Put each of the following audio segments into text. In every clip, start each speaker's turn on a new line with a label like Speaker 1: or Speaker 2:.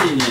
Speaker 1: Україні!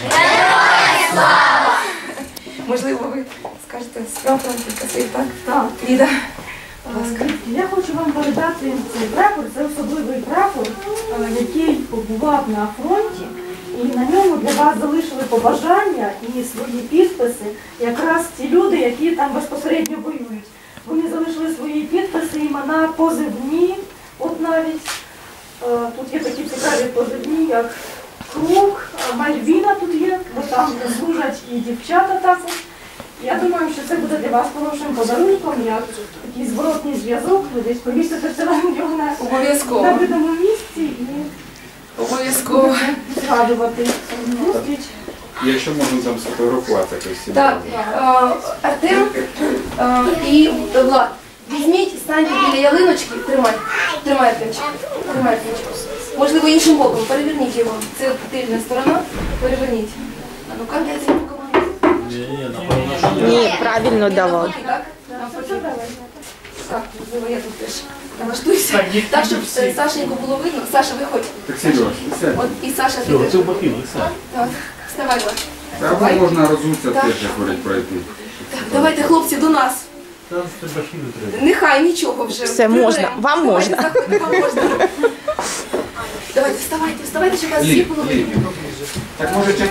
Speaker 2: Можливо, ви скажете справу про так?
Speaker 3: Так.
Speaker 2: Ліда, будь ласка.
Speaker 3: Я хочу вам передати цей прапор. Це особливий прапор, який побував на фронті. І на ньому для вас залишили побажання і свої підписи якраз ті люди, які там безпосередньо воюють. Вони залишили свої підписи, імена, позивні. От навіть тут є такі цікаві позивні, як Круг, Мальвіна тут є, бо там служать і дівчата також. Я думаю, що це буде для вас хорошим подарунком, як такий зворотній зв'язок. Ви десь повісите його на
Speaker 2: Обов'язково.
Speaker 3: видному місці і
Speaker 2: Обов'язково.
Speaker 3: згадувати зустріч.
Speaker 1: Якщо можна там сфотографувати якось всі.
Speaker 2: Так, Артем і Влад, візьміть, станьте біля ялиночки, тримай ключ. Можливо, іншим боком, переверніть його. Це тильна сторона, переверніть. А ну-ка, дайте йому команду.
Speaker 4: Ні, правильно давав.
Speaker 2: Так? Так, можливо, я тут теж налаштуюся. Так, щоб Сашеньку було видно. Саша, виходь.
Speaker 1: Так, Сереж, сядь.
Speaker 2: От і Саша, ти теж. Так, вставай, Влад.
Speaker 1: Або можна розуться теж, як говорять, пройти.
Speaker 2: Так, давайте, хлопці, до нас. Нехай, нічого вже.
Speaker 4: Все, можна. Вам
Speaker 2: Давайте,
Speaker 4: можна.
Speaker 2: заходьте, вам можна. Давайте, вставайте, щоб вас всі було видно.
Speaker 1: Так може